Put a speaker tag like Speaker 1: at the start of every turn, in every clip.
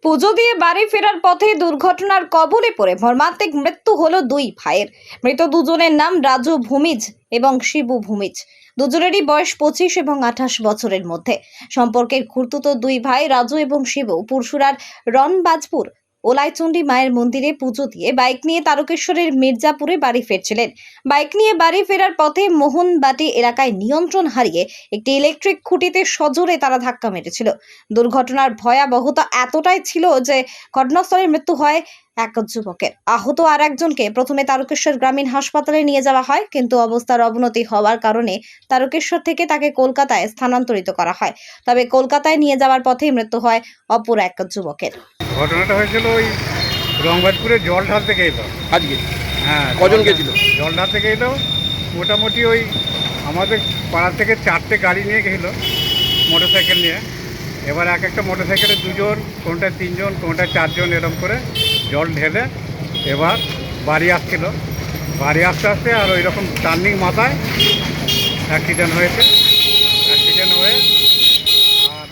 Speaker 1: পুজো দিয়ে বাড়ি ফেরার পথে দুর্ঘটনার কবলে পড়ে মর্মান্তিক মৃত্যু হলো দুই ভাইয়ের। মৃত দুজনের নাম রাজু ভূমিজ এবং শিবু ভূমিজ। দুজনেরই বয়স 25 এবং 28 বছরের মধ্যে। সম্পর্কের খুড়তুতো দুই ভাই রাজু এবং শিবু পুরসুরার রনবাজপুর ওলাইচণ্ডী মায়ের মন্দিরে পুজো দিয়ে বাইক নিয়ে তারকেশ্বরের মির্জাপুরে বাড়ি ফিরছিলেন। বাইক নিয়ে বাড়ি ফেরার পথে মোহনবাটি এলাকায় নিয়ন্ত্রণ হারিয়ে একটি ইলেকট্রিক খুঁটিতে সজোরে তারা ধাক্কা মেরেছিল। দুর্ঘটনার ভয়াবহতা এতটাই ছিল যে ঘটনাস্থলে মৃত্যু হয় এক যুবকের। আহত আর একজনকে প্রথমে তারকেশ্বর গ্রামীণ হাসপাতালে নিয়ে যাওয়া হয়, কিন্তু অবস্থার অবনতি হওয়ার কারণে তারকেশ্বর থেকে তাকে কলকাতায় স্থানান্তরিত করা হয়। তবে কলকাতায় নিয়ে যাওয়ার পথেই মৃত্যু হয় অপর এক যুবকের।
Speaker 2: ঘটনাটা হয়েছিল ওই রংবাজপুরে জল ঢালতে গেলো
Speaker 3: আজকে।
Speaker 2: হ্যাঁ,
Speaker 3: কজন গেছিল?
Speaker 2: জল ঢালতে গেলো মোটামুটি ওই আমাদের পাড়া থেকে 4টে গাড়ি নিয়ে গেছিলো, মোটরসাইকেল নিয়ে। এবার এক একটা মোটরসাইকেলে 2 জন, কোনটায় 3 জন, কোনটায় 4 জন, এরকম করে জল ঢেলে এবার বাড়ি আসছিল। বাড়ি আসতে আসতে আর ওই রকম টার্নিং মাথায় অ্যাক্সিডেন্ট হয়েছে। অ্যাক্সিডেন্ট হয়ে আর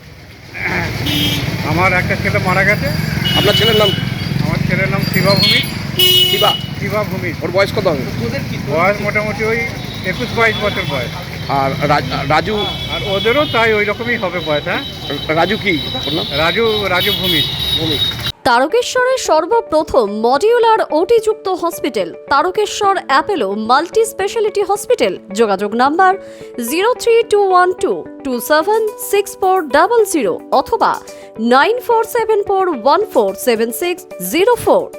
Speaker 2: আমার একটা ছেলে মারা গেছে।
Speaker 3: আপনার ছেলের নাম কি?
Speaker 2: আমার ছেলের নাম শিবা ভূমিজ।
Speaker 3: শিবা
Speaker 2: ভূমিজ।
Speaker 3: ওর বয়স কত হবে?
Speaker 2: বয়স মোটামুটি ওই 21-22 বছর বয়স।
Speaker 3: আর রাজু?
Speaker 2: আর ওদেরও তাই ওই রকমই হবে বয়স। হ্যাঁ,
Speaker 3: রাজু কি ওর নাম?
Speaker 2: রাজু ভূমিজ।
Speaker 4: তারকেশ্বরের সর্বপ্রথম মডিউলার ওটিযুক্ত hospital Tarakeswar Apollo multi speciality hospital. যোগাযোগ নাম্বার 03212276400 অথবা 9474147604।